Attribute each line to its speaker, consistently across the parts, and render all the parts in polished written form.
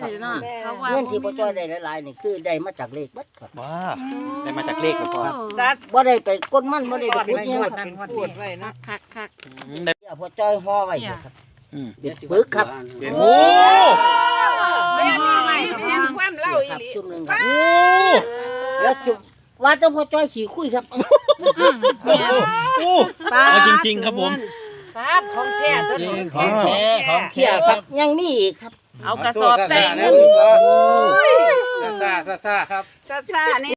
Speaker 1: เนาะเขาว่า
Speaker 2: เงินที่พ่อจ้อยได้หลายๆนี่คือได้มาจากเลขบัดครับ
Speaker 3: ว้าได้มาจากเลขบ่พ่อ
Speaker 4: ซัด
Speaker 2: บ่ได้ไปก้นมันบ่ได้ไปขุดหยังครับ
Speaker 4: พูดไว้นะ
Speaker 1: คัก
Speaker 3: ได้
Speaker 2: พ่อจ้อยห่อไว้อยู่ครับ
Speaker 3: อืม
Speaker 2: เด็ดปึกครับ
Speaker 3: โอ้
Speaker 4: แม่นี่ไงแม่ความเล่าอี
Speaker 2: ครับ
Speaker 4: หลี
Speaker 2: ซุ่มหนึงครับ
Speaker 3: โอ้
Speaker 2: แล้วจุว่าแต่พ่อจ้อยขี่คุยครับ
Speaker 3: โอ้เอาจริงๆครับผม
Speaker 4: ซัดของแท้ตัวนี้
Speaker 5: ของแท้ของ
Speaker 2: เขี่ยครับยังมีอีกครับ
Speaker 1: เอากระสอบใส่เงิน
Speaker 5: ซ่าครับ
Speaker 4: ซ่านี่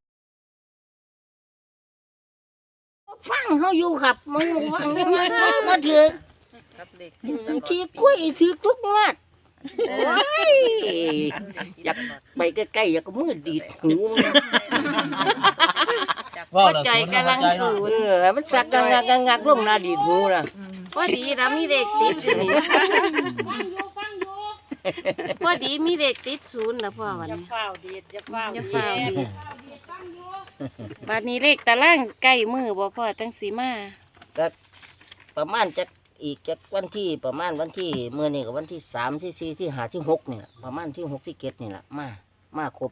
Speaker 2: ฟังเขาอยู่ครับมึงฟังยังไงมาถือ
Speaker 1: ครับเด็ก
Speaker 2: ขี่คุยถือทุกงวดโอ้ยอยากไปใกล้ๆอยากก็มือดีดหูมัน
Speaker 1: พ่อใจกำลังสูน
Speaker 2: มันสักงักลงหน้าดีดหูนะ
Speaker 1: พอดีนะมีเด็กติดอยู่นี่พอดีมีเด็กติดศูนย์นะพ่อวัน
Speaker 4: จะ
Speaker 1: นี้
Speaker 4: เฝ้าดีดจะเฝ้า
Speaker 1: จะฝ้าวดีบัดนี้เลขตารางใกล้มือบ่พ่อตั้งสีมา
Speaker 2: ก็ประมาณจะอีกจากวันที่ประมาณวันที่เมื่อนี่กับวันที่3ที่4ที่5ที่6นี่แหละประมาณที่6ที่7นี่แหละมาครบ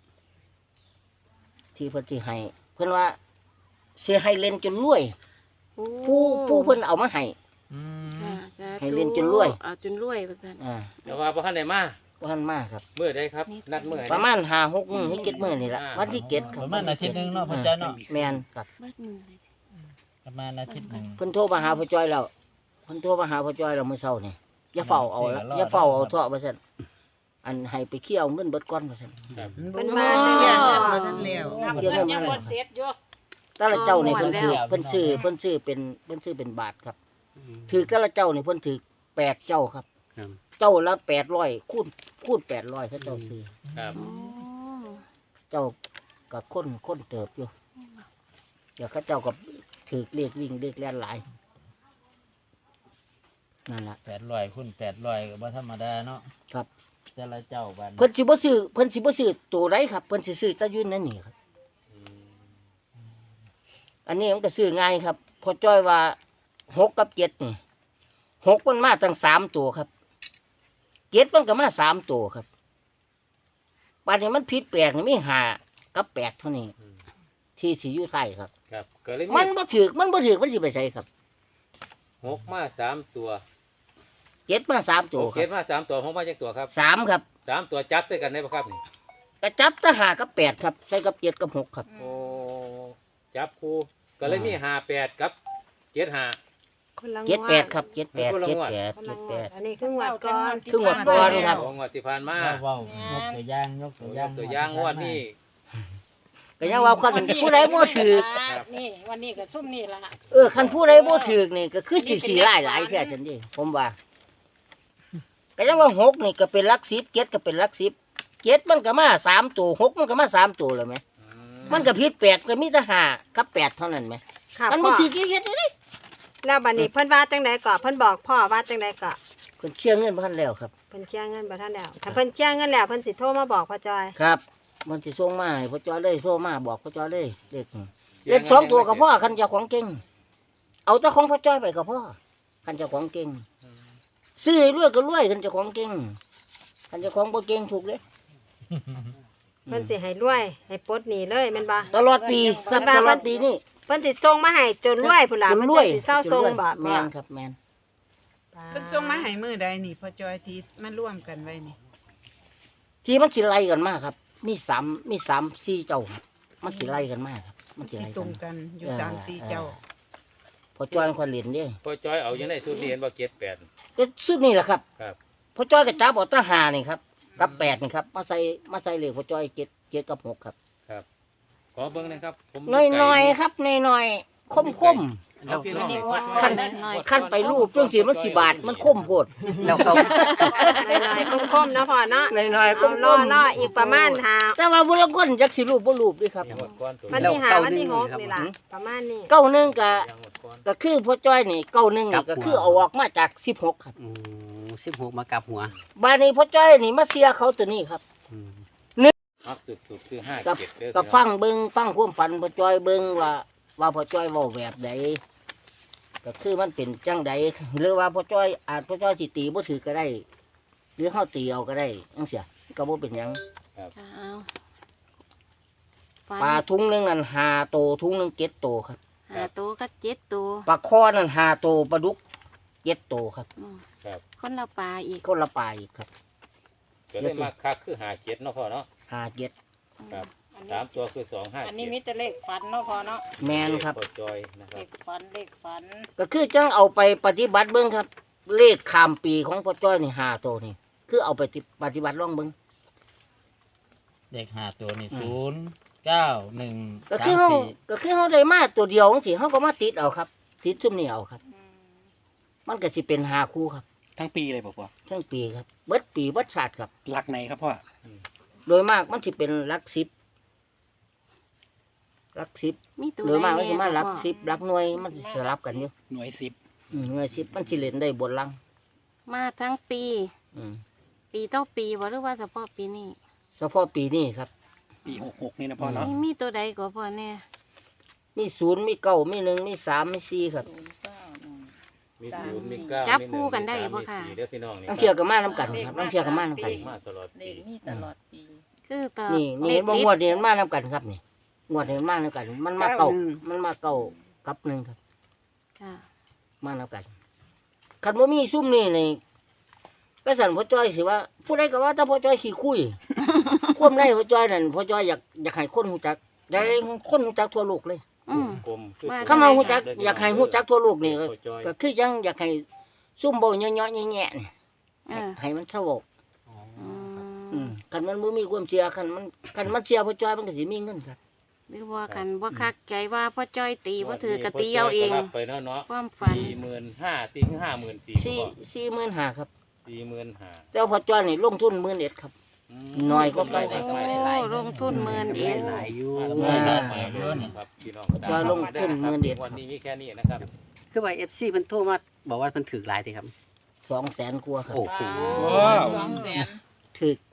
Speaker 2: ที่เพิ่นสิให้เพิ่นว่าสิให้เล่นจนรวยผู้เพิ่นเอามาให้
Speaker 3: อืม
Speaker 2: ให้เล่นจนรวย
Speaker 1: เอาจนรวยว่าซั่น
Speaker 5: เดี๋ยวว่าพ่อท่านไหนมา
Speaker 2: บ่ทันมาครับ
Speaker 5: เมื่อใดครับ นัดเมื่อใด
Speaker 2: ประมาณ5-6มื้อให้7มื้อนี่ล่ะวันที่7ค
Speaker 6: ป
Speaker 2: รับ
Speaker 6: ระมาณอาทิตย์หนึงเนาะพ่อจ้อยเนาะ
Speaker 2: แม่นครับ
Speaker 1: เบิดมือเลย
Speaker 6: ประมาณอาทิตย์หนึง
Speaker 2: เพิ่นโทรมาหาพ่อจ้อยแล้วเพิ่นโทรมาหาพ่อจ้อยแล้วมื้อเช้านี่อย่าเฝ้าเอาละอย่าเฝ้าเอาเถาะว่าซั่นอันให้ไปเคี่ยวเงินเบิดก่อนว่าซั่น
Speaker 4: เป็นมาเนี่ย
Speaker 1: มาทันแล้ว
Speaker 4: เพิ่นยังบ่เสร็จอยู่
Speaker 2: แต่ละเจ้านี่เพิ่นถือเพิ่นชื่อเป็นบาทครับถือแต่ละเจ้านี่เพิ่นถือ8เจ้าครับ เจ้าละ800คูณ800เขาเจ้าซื้อ
Speaker 5: ครับ
Speaker 1: โอ้
Speaker 2: เจ้าก็คนเติบอยู่เดี๋ยวเขาเจ้าก็ถือเลขวิ่งเลขแล่นหลายนั่นล่ะ
Speaker 6: 800คูณ800ก็บ่ธรรมดาเนาะ
Speaker 2: ครับ
Speaker 6: แต่ละเจ้าบัด
Speaker 2: เพิ่นสิบ่ซื้อตัวใดครับเพิ่นสิซื้อแตะยืนนั่นนี่ครับอันนี้มันก็ซื้อง่ายครับพอจ้อยว่า6กับ7นี่6มันมาตั้ง3ตัวครับ7มันก็มา3ตัวครับบัดนี้มันผิดแปลกนี่มี5กับ8เท่านี้ที่สิอยู่ไทยครับ
Speaker 5: ครับก็เลย
Speaker 2: มันบ่ถูกมันสิไปใส่ครับ
Speaker 5: 6มา3ตัว
Speaker 2: 7มา3ตัวค
Speaker 5: เก็
Speaker 2: รั
Speaker 5: บบ มา3ตัว6มาจักตัวครับ
Speaker 2: 3ครับ
Speaker 5: 3ตัวจับใส่กันได้บ่ครับนี่
Speaker 2: กระจับทหารกับ8ครับใส่กับ7กับ6ครับ
Speaker 5: โอ้จับคู่ก็เลยมี58กับ75
Speaker 4: คนละงวด
Speaker 2: 78ครับ78
Speaker 5: คนละงวด
Speaker 2: 78
Speaker 4: อันนี้ครึ่งวัดก่อน
Speaker 2: ครึ่งวัดก่อนครับ
Speaker 5: ของงวดที่ผ่านมา
Speaker 6: เว้ายกตัวอย่างยกตัวอย่าง
Speaker 5: ตัวอย่างงวดนี้
Speaker 2: ก็ยังว่าคันผู้ใดบ่ถูก
Speaker 4: นี่วันนี้ก็ซุ่มนี่ล่ะ
Speaker 2: คันผู้ใดบ่ถูกนี่ก็คือสิขี้ร้ายหลายแท้ซั่นดิผมว่าก็ยังว่า6นี่ก็เป็นหลัก10 7ก็เป็นหลัก10 7มันก็มา3ตัว6มันก็มา3ตัวแล้วแหมมันก็ผิดแปลกก็มีแต่5กับ8เท่านั้นแหม
Speaker 4: ค่ะ
Speaker 2: มัน
Speaker 4: พ่
Speaker 2: บ่
Speaker 4: อ
Speaker 2: สิเฮ็ดได้
Speaker 4: แล้วบัดนี้เพิ่นว่าจังไดก่อเพิ่นบอกพ่อว่าจังไดก่อ
Speaker 2: เพิ่นเคลียร์เงินบ่ทันแล้วครับ
Speaker 4: เพิ่นเคลียร์เงินบ่ทันแล้วถ้าเพิ่นเคลียร์เงินแล้วเพิ่นสิโทรมาบอกพ่อจอย
Speaker 2: ครับ มันสิส่งมาให้พ่อจ้อยเลยโทรมาบอกพ่อจ้อยเลยเลข2ตัวกับพ่อคันเจ้าของเก่งเอาเจ้าของพ่อจ้อยไปกับพ่อคันเจ้าของเก่งซื้อให้รวยก็รวยคันเจ้าของเก่งคันเจ้าของบ่เก่งถูกเลย
Speaker 4: เพิ่นสิให้รวยให้ปลดหนี้เลยแม่นบ่
Speaker 2: ตลอดปีครับตลอดปีนี่
Speaker 4: เพิ่นสิส่งมาให้จนรวยพุ่นล่ะ
Speaker 2: จน
Speaker 4: เพิ่น
Speaker 2: รวย
Speaker 4: สิเศร้าส่งบ่
Speaker 2: แม่นครับแม่น
Speaker 7: เพิ่นส่งมาให้มือใดนี่พอจอยที่มาร่วมกันไว้นี่
Speaker 2: ที่มันสิไล่กันมาครับมี4เจ้าครับมันสิไล่กันมาครับมันสิ
Speaker 7: ที่
Speaker 2: ไล่
Speaker 7: ต
Speaker 2: กั
Speaker 7: ร
Speaker 2: น
Speaker 7: งกันอยู่3-4เจ้า
Speaker 2: พ่อจ้อยคนเล่นเด้
Speaker 5: พ่อจ้อยเอาอยู่ในสูตรนี้เห็นบ่78
Speaker 2: ก็สุดนี่แหละครับ
Speaker 5: ครับ
Speaker 2: พ่อจ้อยก็จับเอาแตะหานี่ครับกับ8นี่ครับมาใส่เลขพ่อจ้อย7กับ6ครับ
Speaker 5: ขอเบิ่งหนะครับผม
Speaker 2: น้อยๆครับน้อยๆคม
Speaker 5: เอาพี่น้อง
Speaker 2: ขั้น ขั้นไปรูปเรื่องสีมันสิบาทมันคมโพดแล้วเขา
Speaker 4: น้อยๆคมๆเนาะพ่อเนาะ
Speaker 2: น้อยๆค
Speaker 4: เอา
Speaker 2: ม
Speaker 4: รออีกประมาณ5
Speaker 2: แต่ว่าบุรุษคนจักสิรูปบ่รูปด้วยครับ
Speaker 5: ยังหมดก้อนตัว
Speaker 4: วัน
Speaker 5: นี้
Speaker 4: ที่5วันที่6นี่ล่ะประมาณนี้
Speaker 2: เก้าหนึงก็
Speaker 5: ยังหมดก้อน
Speaker 2: ก็คือพ่อจ้อยนี่เก้าหนึงนี่ก็คือเอาออกมาจาก16ครับ
Speaker 3: 16มากับหัว
Speaker 2: บาดนี้พ่อจ้อยนี่มาเสียเขาตัวนี้ครับ
Speaker 5: มักสุดๆคือ
Speaker 2: กับ
Speaker 5: 57เด้อ
Speaker 2: ก็ฟังเบิ่งฟังความฝันพ่อจ้อยเบิ่งว่าพ่อจ้อยเว้าแบบใดก็คือมันเป็นจังใดหรือว่าพ่อจ้อยอาจพ่อจ้อยสิตีบ่ถือก็ได้ หรือเฮาตีเอาก็ได้จังซี่ก็บ่เป็นหยัง
Speaker 1: ค่ะเอาฝัน
Speaker 2: ปลาถุงหนึงนั่น5โตถุงหนึง7โตครับ
Speaker 1: หาตัวก็7ตัว
Speaker 2: ปลาคอนั่น5โตปลาดุก7โตครับ
Speaker 1: อืม
Speaker 5: ครับ
Speaker 1: คนละปลาอีก
Speaker 2: คนละปลาอีกครับ
Speaker 5: ก็เลยมาคักคือหาเจ็ดเนาะพ่อเนาะ
Speaker 2: 5 7
Speaker 5: ครับ
Speaker 1: อัน
Speaker 5: สา
Speaker 1: นี้
Speaker 5: มตัวคือ2 5
Speaker 1: อันนี้มีแต่เลขฝันเนาะพอเนาะ
Speaker 2: แม่นครับ
Speaker 5: พ่อจอยนะค
Speaker 1: เล
Speaker 5: รับ
Speaker 1: ขฝันเลขฝัน
Speaker 2: ก็คือจังเอาไปปฏิบัติเบิ่งครับ เลขข้ามปีของพ่อจ้อยนี่5โตนี่คือเอาไปปฏิบัติลองเบิ่ง
Speaker 6: เด็ก5ตัวนี่
Speaker 2: อืม
Speaker 6: 0 9 1
Speaker 2: ก็คือเฮา
Speaker 6: 3 4
Speaker 2: ก็คือเฮาได้มาตัวเดียวจังซี่เฮาก็มาติดเอาครับ ติดซุ่มนี่เอาครับ
Speaker 1: อืม
Speaker 2: มันก็สิเป็น5คู่ครับ
Speaker 3: ทั้งปีเลยพ่อ
Speaker 2: ทั้งปีครับเบิดปีเบิดชาติครับ
Speaker 3: หลักไหนครับพ่อ
Speaker 2: โดยมากมันสิเป็นหลัก10หลัก10
Speaker 1: มีตัว
Speaker 2: โดยมากมันสิมาหลัก
Speaker 1: พ่อ
Speaker 2: 10หลักหน่วยมันสิสลับกันอยู่
Speaker 3: หน่วย10
Speaker 2: หน่วย10มันสิเล่นได้บนลัง
Speaker 1: มาทั้งปี
Speaker 2: อืม
Speaker 1: ปีต่อปีบ่หรือว่าเฉพาะปีนี้
Speaker 2: เฉพาะปีนี้ครับ
Speaker 3: ปี66นี่นะพ่อเนาะ
Speaker 1: มีตัวใดก็พอแน่
Speaker 2: มี0มี9มี1มี3มี4ครับ
Speaker 5: มี0มี9
Speaker 1: จับ
Speaker 5: มี
Speaker 1: คู่กันได้
Speaker 5: 1
Speaker 1: บ่
Speaker 5: มี
Speaker 1: ค่ะ
Speaker 5: 4เด้อพี่น้องนี่
Speaker 2: ต้องเที่ยวกันมานํกันครับต้องเที่ยวกันมานํกัน
Speaker 5: มาตลอดปี
Speaker 1: คือต่อ
Speaker 2: นี่นี่เห็นบ่งวดนี่มันมานํกันครับนี่งวดนี่มันมานํกัน มันมาเก่ามันมาเก่ากับหนึ่งครับ
Speaker 1: ค่ะ
Speaker 2: มานํกันคันบ่มีซุ่มนี่นี่ก็สั่นพ่อจ้อยสิว่าผู้ใดก็ว่าถ้าพ่อจ้อยขี้คุย ความในพ่อจ้อยนั่นพ่อจ้อยอยากให้คนรู้จักอยากให้คนรู้จักทั่วโลกเลย
Speaker 1: อืม
Speaker 5: กลมคือ
Speaker 1: ว่า
Speaker 2: คำว่ารู้จักอยากให้รู้จักทั่วโลกนี่ก็
Speaker 5: พ่อจอย
Speaker 2: ก็คือยังอยากให้ซุ่มบ่เยาะๆแย่ๆนี่
Speaker 1: เออ
Speaker 2: ให้มันสงบ
Speaker 1: อืม
Speaker 2: คันมันบ่มีความเชื่อคันมันเชื่อพ่อจ้อยมันก็สิมีเงินครับ
Speaker 1: หรือว่ากันบ่คักใจว่าพ่อจ้อยตีบ่ถือกะตีเอาเอง
Speaker 5: พ่จยก็รับไปเนาะเนาะ
Speaker 1: ความฝัน
Speaker 5: 45,000ตีถึง54,000
Speaker 2: 45,000ครับ
Speaker 5: 45,000
Speaker 2: แต่ว่าพ่อจ้อยนี่ลงทุน11,000ครับ น้อยกว่าเก่า
Speaker 1: โอ้ลงทุนหมื่นเอง
Speaker 3: หลายอยู่
Speaker 5: ครับพี่น้อง
Speaker 2: จอยลงทุน11,000
Speaker 5: วันนี้มีแค่นี้นะครับ
Speaker 8: คือว่า FC เพิ่นโทรมาบอกว่าเพิ่นถือหลายติครับ
Speaker 2: 200,000กว่าครับ
Speaker 8: โอ้โห
Speaker 3: ว้าว
Speaker 2: ถึก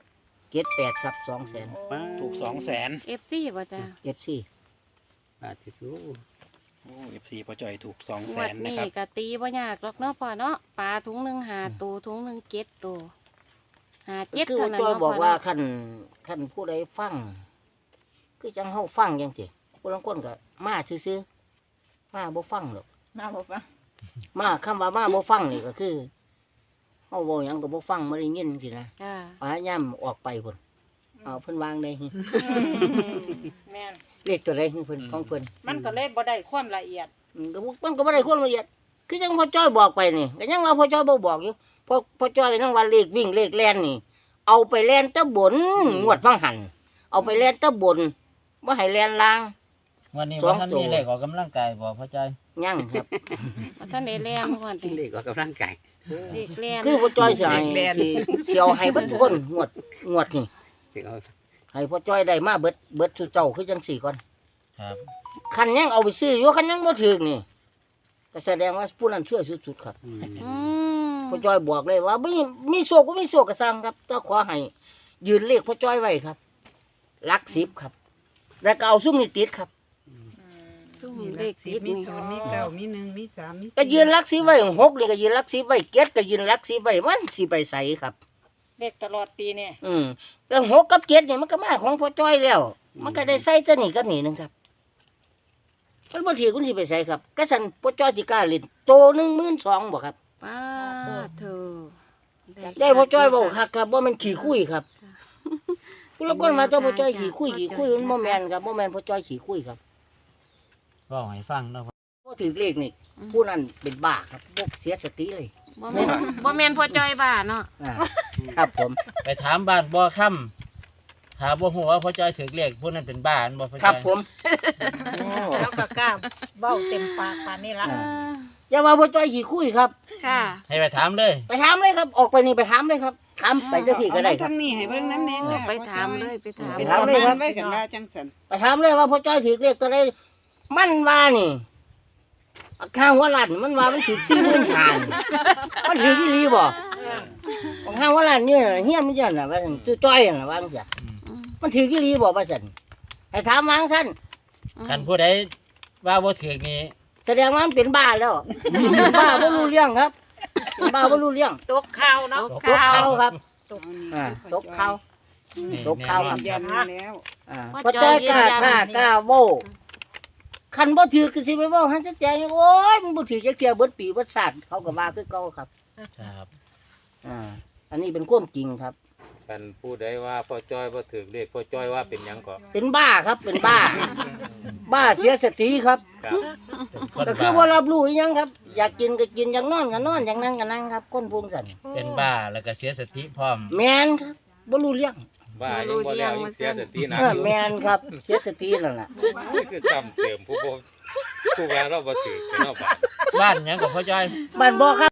Speaker 2: 78ครับ200,000
Speaker 3: ถูก200,000
Speaker 1: FC บ่จ้ะ
Speaker 2: FC
Speaker 8: บาทที่สุด
Speaker 3: โอ้ FC พ่อจอยถูก
Speaker 1: งวด
Speaker 3: 200,000นะ
Speaker 1: นี้
Speaker 3: ครับ
Speaker 1: ก็ตีบ่ยากหรอกเนาะพ่อเนาะปลาถุงหนึงหาตัวถุงหนึง7ตัวหา
Speaker 2: คือ
Speaker 1: 7เท่านั้น
Speaker 2: จ้อย
Speaker 1: เนาะ
Speaker 2: บอก
Speaker 1: พ่
Speaker 2: ว่า
Speaker 1: เนาะ
Speaker 2: คันผู้ใดฟัง คือจังเฮาฟังจังซี่ผู้ลางคนก็มาซื่อๆมาบ่ฟังหรอกมาคำว่ามาบ่ฟังนี่ก็คือเฮาเว้าหยังก็บ่ฟังบ่ได้ยินจังซี่นะ
Speaker 1: จ้า
Speaker 2: พยายามออกไปพุ่นเอาเพิ่นวางได้
Speaker 1: แม่น
Speaker 2: เลขตัวใดของเพิ่นของเพิ่น
Speaker 1: มันก็เลยบ่ได้ความละเอียด
Speaker 2: ก็มันก็บ่ได้ความละเอียดคือจังพ่อจ้อยบอกไปนี่ก็ยังว่าพ่อจ้อยบ่บอกอยู่พ่อจ้อยก็ยังว่าเลขวิ่งเลขแล่นนี่ เอาไปแล่นแตะบนงวดฟังหันเอาไปแล่นแตะบนบ่ให้แล่นล่าง
Speaker 6: วันนี้
Speaker 2: สอ
Speaker 6: ว่าง ท่าน
Speaker 2: ตัว
Speaker 6: มีเลขออกกำลังกายบ่พ่อจ้อย
Speaker 2: ยังครับ
Speaker 1: ว่าท่านได้แรงก่อน
Speaker 8: กินเลขออกกำลังกาย
Speaker 1: เด็กแรง
Speaker 2: คือพ่อจ้อยสิให้สิเอาให้เบิดทุกคนงวดนี่
Speaker 8: ถึงเอา
Speaker 2: ให้พ่อจ้อยได้มาเบิดสุเจ้าคือจังสี่ก่อน
Speaker 6: ครับ
Speaker 2: คันยังเอาไปซื้ออยู่คันยังบ่ถึกนี่ก็แสดงว่าผู้นั้นช่วยสุดๆครับ
Speaker 8: อืม
Speaker 1: อืม
Speaker 2: พ่อจ้อยบอกเลยว่ามีโชคก็มีโชคก็สร้างครับแต่ขอให้ยืนเลขพ่อจ้อยไว้ครับหลัก10ครับ แล้วก็เอาซุ่มนี่ติดครับ
Speaker 1: ซุ่ม
Speaker 7: มี
Speaker 1: เล
Speaker 7: เล
Speaker 1: ข
Speaker 7: ข
Speaker 1: ติ
Speaker 7: 10
Speaker 1: ด
Speaker 7: มี
Speaker 1: นี่
Speaker 7: 0มี9มี1มี3มี4
Speaker 2: ก็ยืนหลัก10ไว้6นี่ก็ยืนหลัก10ไว้7ก็ยืนหลัก10ไว้มันสิไปใสครับ
Speaker 1: เลขตลอดปีเนี่ย
Speaker 2: แต่6กับ7นี่มันก็มาของพ่อจ้อยแล้ว มันก็ได้ใส่ตัวนี้กับนี่นึงครับมันบ่ถือคุณสิไปใส่ครับก็สั่นพ่อจ้อยสิกล้าเล่นโต12,000บ่ครับ
Speaker 1: ป้าเธอ
Speaker 2: ได้พ่อจ้อยบอกคักครับว่ามันขี่คุยครับผู้ละคนมาเจ้าพ่อจ้อยขี่คุยมันบ่แม่นครับบ่แม่นพ่อจ้อยขี่คุยครับ
Speaker 6: ก็ให้ฟังเนาะ
Speaker 2: บ่ถือเลขนี่ผู้นั้นเป็นบ้าครับบ่เสียสติเลย
Speaker 1: บ่แม่นพ่อจ้อยบ้าเนาะ
Speaker 2: อ่าครับผม
Speaker 6: ไปถามบ้านบ่ค่ำถามบ่ฮู้ว่าพ่อจ้อยถือเลขผู้นั้นเป็นบ้านบ่พ่อ
Speaker 2: ครั
Speaker 6: จ้
Speaker 2: บ
Speaker 6: อย
Speaker 2: ผม
Speaker 4: แล้วก็กล้าเบ้าเต็มปากปานนี้ละ
Speaker 2: อย่าว่าพ่อจ้อยขี่คุยครับ
Speaker 1: ค่ะ
Speaker 6: ให้ไปถามเลย
Speaker 2: ไปถามเลยครับ ออกไปนี่ไปถามเลยครับถามไปเจ้าที่ก็ได้
Speaker 7: เอามา
Speaker 2: ครับ
Speaker 7: ทางนี้ให้เบิ่งนำแน่จ้ะ
Speaker 1: ไปถามเลยไปถาม
Speaker 2: ไป
Speaker 7: เป็น
Speaker 2: ถาม
Speaker 7: ตำ
Speaker 2: เลยครั
Speaker 7: นา
Speaker 2: บ
Speaker 7: นไว้กันว่าจังซั่น
Speaker 2: ไปถามเลยว่าพ่อจ้อยถือเลขตัวใดมันว่านี่ข้างหัวลั่นมันว่ามันถือ40,000หานมันถืออีหลีบ่ข้างหัวลั่นนี่เฮียนมันจังน่ะว่าซั่นจ้อยน่ะว่าจังซี่ มันถือกี่ลีบอกว่าสันให้ถามวางสั้น
Speaker 6: คันผู้ใดว่าบ่ถือนี่
Speaker 2: แสดงว่ามันเป็นบ้าแล้วเป็นบ้าไม่รู้เรื่องครับเป็นบ้าไม่รู้เรื่อง
Speaker 4: ตกข่าวเนาะ
Speaker 1: ตก
Speaker 2: ตก
Speaker 1: ข่าว
Speaker 2: เขาครับ
Speaker 7: ตก
Speaker 2: ตกเขา
Speaker 6: นี่
Speaker 2: ตกข่าวครับ
Speaker 6: แน่นอน
Speaker 7: แล้ว
Speaker 2: พอจ้อยกล้าท่ากล้าโว้คันบ่ถือก็สิไปเว้าหันจะแจงโอ้ยมันบ่ถือจักเที่ยเบิดปีเบิดชาติเขาก็ว่าคือเก่าครับ
Speaker 6: ครับ
Speaker 2: อันนี้เป็นความจริงครับ
Speaker 5: กันผู้ใดว่าพ่อจ้อยบ่ถือเลขพ่อจ้อยว่าเป็นหยังก็
Speaker 2: เป็นบ้าครับเป็นบ้า บ้าเสียสติครับ
Speaker 5: ครับ
Speaker 6: เป็นคน
Speaker 2: ก็คือว่ารับรู้อีหยังครับ อยากกินก็กินอยากนอนก็นอนอยากนั่งก็นั่งครับคนพวงสัน
Speaker 6: เป็นบ้าแล้วก็เสียสติพร้อม
Speaker 2: แมนครับบ่รู้เรื่อง
Speaker 5: ว่ายังบ่แล้วยังเสียสติหนัก
Speaker 2: แมนครับ เสียสตินั่นแหละ
Speaker 5: นี่คือซ้ำเติมผู้ว่าเราบ่ถือเป็นเอาบาด
Speaker 6: บ้านหยังกับพ่อจ้อย
Speaker 2: บ้านบ่ครับ